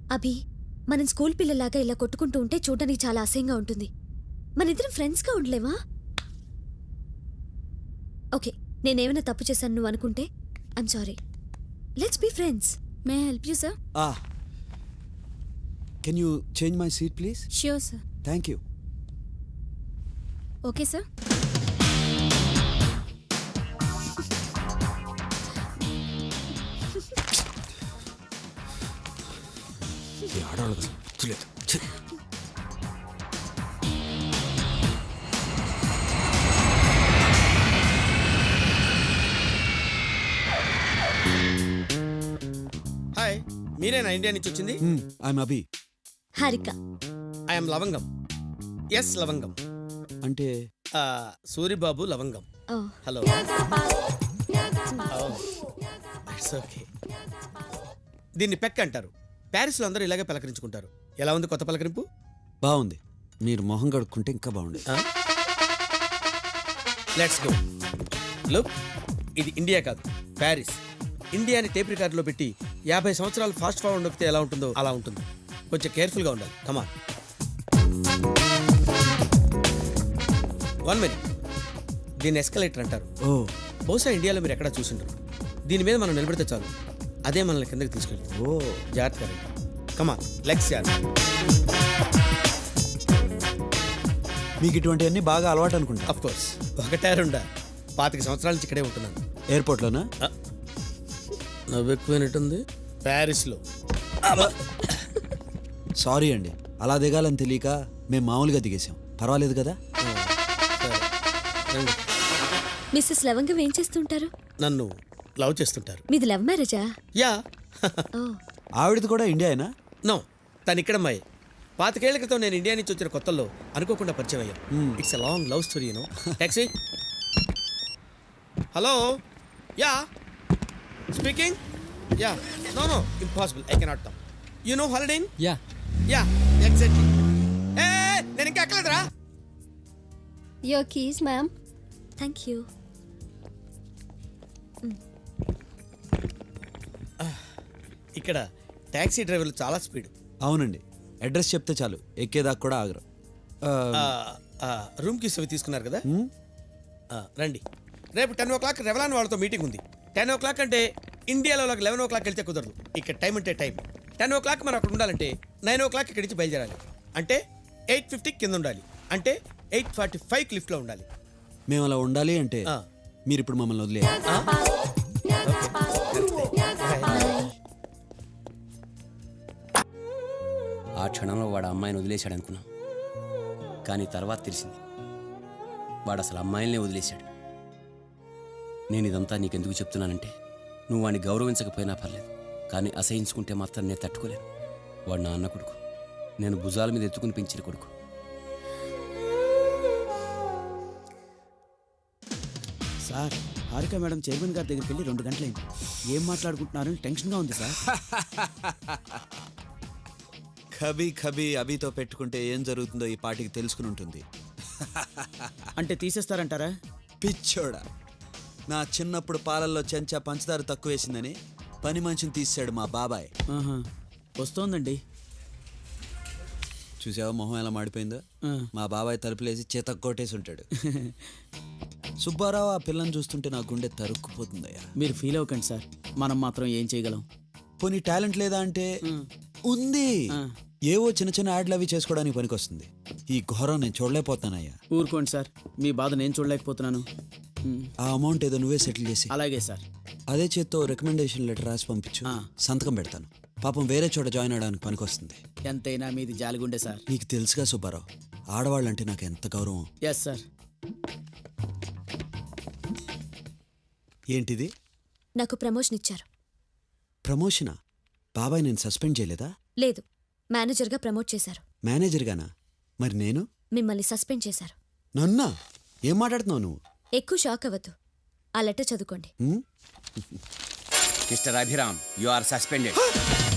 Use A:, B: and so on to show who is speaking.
A: అభి, మనం స్కూల్ పిల్లలాగా ఇలా కొట్టుకుంటూ ఉంటే చూడడానికి చాలా అసహ్యంగా ఉంటుంది. మనిద్దరం ఫ్రెండ్స్గా ఉండలేవా? ఓకే, నేనేమైనా తప్పు చేశాను నువ్వు అనుకుంటే I'm sorry. Let's be friends. May I help you sir?
B: Can you change my seat please?
A: Sure sir.
B: Thank you.
A: Okay sir.
B: ఆడవాళ్ళు కదా తెలియదు.
C: హాయ్, మీరేనా ఇండియా నుంచి వచ్చింది?
B: I'm Abhi.
A: Harika.
C: I'm Lavangam. Yes Lavangam.
B: అంటే
C: Suribabu Lavangam.
A: Oh,
C: hello. It's okay. దీన్ని peck అంటారు. ప్యారిస్లో అందరూ ఇలాగే పలకరించుకుంటారు. ఎలా ఉంది కొత్త పలకరింపు?
B: బాగుంది. మీరు మొహం కడుక్కుంటే ఇంకా బాగుంది.
C: Let's go. లుక్, ఇది ఇండియా కాదు, ప్యారిస్. ఇండియాని టేప్ రికార్డులో పెట్టి 50 సంవత్సరాలు ఫాస్ట్ ఫార్వర్డ్ నొక్కితే ఎలా ఉంటుందో అలా ఉంటుంది. కొంచెం కేర్ఫుల్గా ఉండాలి. కమాన్. 1 మినిట్. దీన్ని ఎస్కలేటర్ అంటారు.
B: ఓ,
C: బహుశా ఇండియాలో మీరు ఎక్కడా చూసింటారు. దీని మీద మనం నిలబడితే చాలు, అదే మనల్ని కిందకి తీసుకెళ్తుంది.
B: ఓ,
C: జాగ్రత్తగా రండి. Come on, legs add.
B: మీకు ఇటువంటివన్నీ బాగా అలవాటు అనుకుంటా.
C: అఫ్ కోర్స్, ఒకటే రెండా 25 సంవత్సరాల నుంచి ఇక్కడే ఉంటున్నాను.
B: ఎయిర్పోర్ట్లోనా?
C: నవ్వు ఎక్కువైనట్టుంది. ప్యారిస్లో.
B: సారీ అండి, అలా దిగాలని తెలియక మేము మామూలుగా దిగేసాం. పర్వాలేదు కదా?
C: రండి.
A: మిస్సెస్ లవంగం ఏం చేస్తుంటారు?
C: నన్ను లవ్ చేస్తుంటారు.
A: మీది లవ్ మ్యారేజా?
C: యా.
A: ఓ,
B: ఆవిడది కూడా ఇండియానా?
C: నో, తను ఇక్కడ అమ్మాయి. 25 ఏళ్ల క్రితం నేను ఇండియా నుంచి వచ్చిన కొత్తల్లో అనుకోకుండా పరిచయం అయ్యాం. It's a long love story, you know. Taxi. Hello. Ya speaking. Ya. No no, impossible. I cannot come. You know holiday in?
D: Ya
C: ya, exactly. ఏ, నేను ఇంకా ఎక్కలేదురా.
A: Your keys ma'am. Thank you.
C: ఇక్కడ టాక్సీ డ్రైవర్లు చాలా స్పీడ్.
B: అవునండి, address చెప్తే చాలు, ఎక్కేదాకా కూడా ఆగరు.
C: రూమ్ కీస్ అవి తీసుకున్నారు కదా? రండి. రేపు 10 o'clock రెవలాన్ వాళ్ళతో మీటింగ్ ఉంది. 10 o'clock అంటే ఇండియాలో 11 o'clock వెళ్తే కుదరదు. ఇక్కడ టైం అంటే టైం. 10 o'clock మనం అక్కడ ఉండాలంటే 9 o'clock ఇక్కడి నుంచి బయలుదేరాలి. అంటే 8:50 కింద ఉండాలి. అంటే 8:45 లిఫ్ట్లో ఉండాలి.
B: మేము అలా ఉండాలి అంటే మీరు ఇప్పుడు మమ్మల్ని వదిలే.
D: ఆ క్షణంలో వాడు అమ్మాయిని వదిలేశాడు అనుకున్నాం, కానీ తర్వాత తెలిసింది వాడు అసలు అమ్మాయిలనే వదిలేశాడు. నేను ఇదంతా నీకెందుకు చెప్తున్నానంటే, నువ్వు వాడిని గౌరవించకపోయినా పర్లేదు, కానీ అసహించుకుంటే మాత్రం నేను తట్టుకోలేను. వాడు నా అన్న కొడుకు, నేను భుజాల మీద ఎత్తుకుని పెంచిన కొడుకు.
E: సార్, హారిక మేడం చైర్మన్ గారి దగ్గరికి వెళ్ళి 2 గంటలైంది. ఏం మాట్లాడుకుంటున్నారని టెన్షన్గా ఉంది సార్.
B: కభీ కభీ అభితో పెట్టుకుంటే ఏం జరుగుతుందో ఈ పాటికి తెలుసుకుని ఉంటుంది.
E: అంటే తీసేస్తారంటారా?
B: పిచ్చోడా, నా చిన్నప్పుడు పాలల్లో చెంచా పంచదార తక్కువ వేసిందని పని మనిషిని తీసాడు మా బాబాయ్.
E: ఆహా, వస్తోందండి.
B: చూసావా మొహం ఎలా మాడిపోయిందో? మా బాబాయ్ తలుపులేసి చేత కొట్టేసి ఉంటాడు. సుబ్బారావు ఆ పిల్లని చూస్తుంటే నా గుండె తరుక్కుపోతుందయ్యా.
E: మీరు ఫీల్ అవ్వకండి సార్, మనం మాత్రం ఏం చేయగలం.
B: పోనీ టాలెంట్ లేదా అంటే ఉంది. ఏవో చిన్న చిన్న యాడ్లు అవి చేసుకోవడానికి పనికొస్తుంది. ఈ ఘోరం నేను చూడలేకపోతానయ్యా.
E: ఊరుకోండి సార్, మీ బాధ నేను చూడలేకపోతున్నాను.
B: ఆ అమౌంట్ ఏదో నువ్వే సెటిల్ చేసి.
E: అలాగే సార్.
B: అదే చేత్తో రికమెండేషన్ లెటర్ రాసి పంపించు, సంతకం పెడతాను. పాపం వేరే చోట జాయిన్ అవడానికి పనికొస్తుంది.
E: ఎంతైనా మీది జాలిగుండే సార్.
B: నీకు తెలుసుగా సుబ్బారావు, ఆడవాళ్ళంటే నాకు ఎంత గౌరవం.
E: Yes sir.
B: ఏంటిది?
A: నాకు ప్రమోషన్ ఇచ్చారు.
B: ప్రమోషనా? బాబాయ్ నేను సస్పెండ్ చేయలేదా?
A: లేదు, మేనేజర్గా ప్రమోట్ చేశారు.
B: మేనేజర్గానా? మరి నేను?
A: మిమ్మల్ని సస్పెండ్ చేశారు.
B: నన్నా? ఏం మాట్లాడుతున్నావు నువ్వు?
A: ఎక్కువ షాక్ అవ్వద్దు, ఆ లెటర్ చదువుకోండి.
D: Mister Abhiram, you are suspended.